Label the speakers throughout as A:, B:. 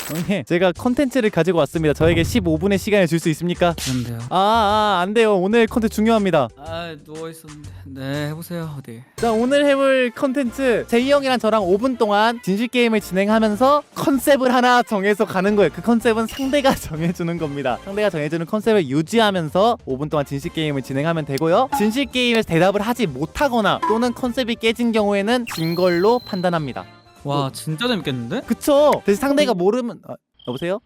A: 형님, 제가 컨텐츠를 가지고 왔습니다. 저에게 15분의 시간을 줄 수 있습니까?
B: 그런데요.
A: 안 돼요. 오늘 컨텐츠 중요합니다.
B: 아 누워 있었는데. 네 해보세요 어디.
A: 자, 오늘 해볼 컨텐츠, 제이 형이랑 저랑 5분 동안 진실 게임을 진행하면서 컨셉을 하나 정해서 가는 거예요. 그 컨셉은 상대가 정해주는 겁니다. 상대가 정해주는 컨셉을 유지하면서 5분 동안 진실 게임을 진행하면 되고요. 진실 게임에서 대답을 하지 못하거나 또는 컨셉이 깨진 경우에는 진 걸로 판단합니다.
B: 와 진짜 재밌겠는데?
A: 그쵸? 대신 상대가 모르면 여보세요?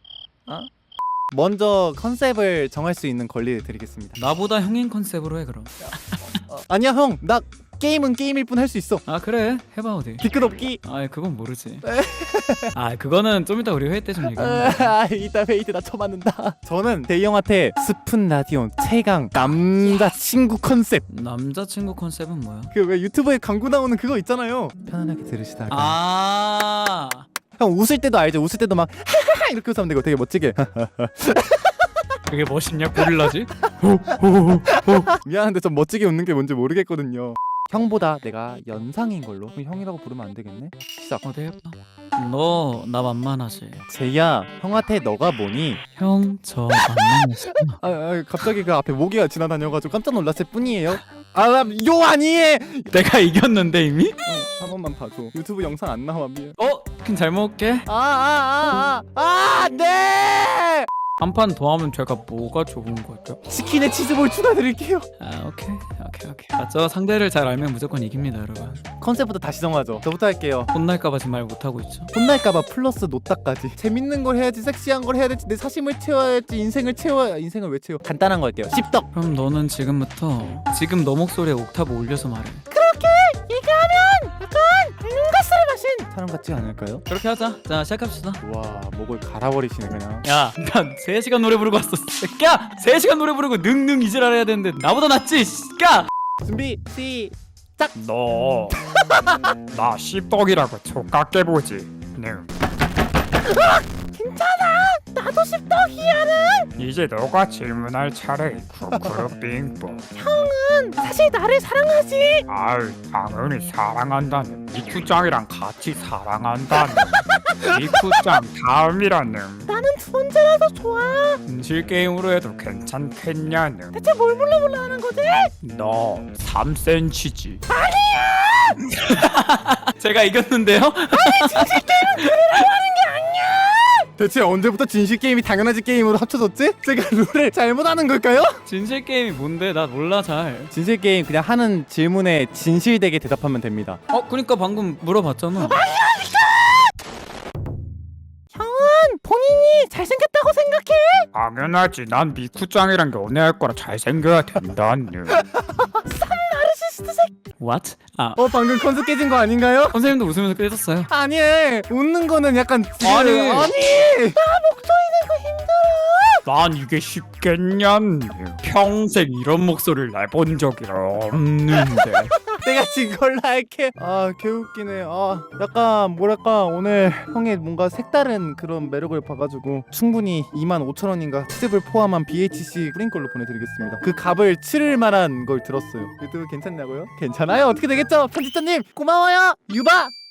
A: 먼저 컨셉을 정할 수 있는 권리를 드리겠습니다.
B: 나보다 형인 컨셉으로 해 그럼.
A: 아니야 형, 나 게임은 게임일 뿐 할 수 있어.
B: 아 그래 해봐 어디.
A: 뒤끝 없기.
B: 아 그건 모르지. 아 그거는 좀 이따 우리 회의 때 좀 얘기해.
A: 이따 회의 때 나 쳐맞는다. 저는 대희 형한테 스푼 라디온 최강 남자친구 컨셉,
B: 남자친구 컨셉은 뭐야?
A: 그 왜 유튜브에 광고 나오는 그거 있잖아요. 편안하게 들으시다가
B: 아
A: 형 웃을 때도 알죠? 웃을 때도 막 하하하 이렇게 웃으면 되고 되게 멋지게
B: 그게 멋있냐 고릴라지?
A: 미안한데 좀 멋지게 웃는 게 뭔지 모르겠거든요. 형보다 내가 연상인 걸로. 그럼 형이라고 부르면 안 되겠네? 시작.
B: 어디 해봐. 너 나 만만하지?
A: 제이야, 형한테 너가 뭐니?
B: 형 저 만만하지?
A: 갑자기 그 앞에 모기가 지나다녀가지고 깜짝 놀랐을 뿐이에요. 요 아니에.
B: 내가 이겼는데 이미?
A: 한 번만 봐줘. 유튜브 영상 안 나와. 미안.
B: 그럼 잘 먹을게.
A: 네.
B: 한 판 더 하면 제가 뭐가 좋은 거죠?
A: 치킨에 치즈볼 추가드릴게요.
B: 아 오케이. 맞죠? 상대를 잘 알면 무조건 이깁니다 여러분.
A: 컨셉부터 다시 정하죠. 저부터 할게요.
B: 혼날까봐 지금 말 못하고 있죠.
A: 혼날까봐 플러스 노따까지. 재밌는 걸 해야지, 섹시한 걸 해야 될지, 내 사심을 채워야지, 인생을 채워야. 인생을 왜 채워? 간단한 거 할게요. 씹덕.
B: 그럼 너는 지금부터 지금 너 목소리에 옥타브 올려서 말해.
A: 가스를 마신 사람 같지 않을까요?
B: 그렇게 하자. 자 시작합시다.
A: 와, 목을 갈아버리시네 그냥.
B: 야, 난 3시간 노래 부르고 왔어. 새끼야! 3시간 노래 부르고 능능 이지랄 해야 되는데 나보다 낫지, 새끼야!
A: 준비 시작.
C: 너 나 씹덕이라고 족같게 보지.
A: 나도 씹덕이야는.
C: 이제 너가 질문할 차례. 쿠쿠루 빙봉.
A: 사실 나를 사랑하지.
C: 아유 당연히 사랑한다는. 미쿠짱이랑 같이 사랑한다는. 미쿠짱 다음이라는.
A: 나는 두 번째라서 좋아.
C: 진실 게임으로 해도 괜찮겠냐는.
A: 대체 뭘 몰라 하는 거지?
C: 너 3cm지.
B: 제가 이겼는데요?
A: 대체 언제부터 진실 게임이 당연하지 게임으로 합쳐졌지? 제가 룰을 잘못하는 걸까요?
B: 진실 게임이 뭔데? 나 몰라 잘.
A: 진실 게임 그냥 하는 질문에 진실되게 대답하면 됩니다.
B: 그니까 방금 물어봤잖아.
A: 본인이 잘생겼다고 생각해?
C: 당연하지. 난 미쿠짱이랑 연애할 거라 잘생겨야 된다는.
A: 나르시스트 새끼.
B: What?
A: 방금 컨셉 깨진 거 아닌가요?
B: 선생님도 웃으면서 깨졌어요.
A: 아니, 웃는 거는 약간
B: 아니.
C: 난 이게 쉽겠냐는. 평생 이런 목소리를 내본 적이 없는데.
A: 내가 진 걸로 할게. 개웃기네. 약간 뭐랄까, 오늘 형의 뭔가 색다른 그런 매력을 봐가지고 충분히 25,000원인가 치즈볼 포함한 BHC 뿌린 걸로 보내드리겠습니다. 그 값을 치를 만한 걸 들었어요. 유튜브 괜찮냐고요? 괜찮아요. 어떻게 되겠죠? 편집자님 고마워요. 유바.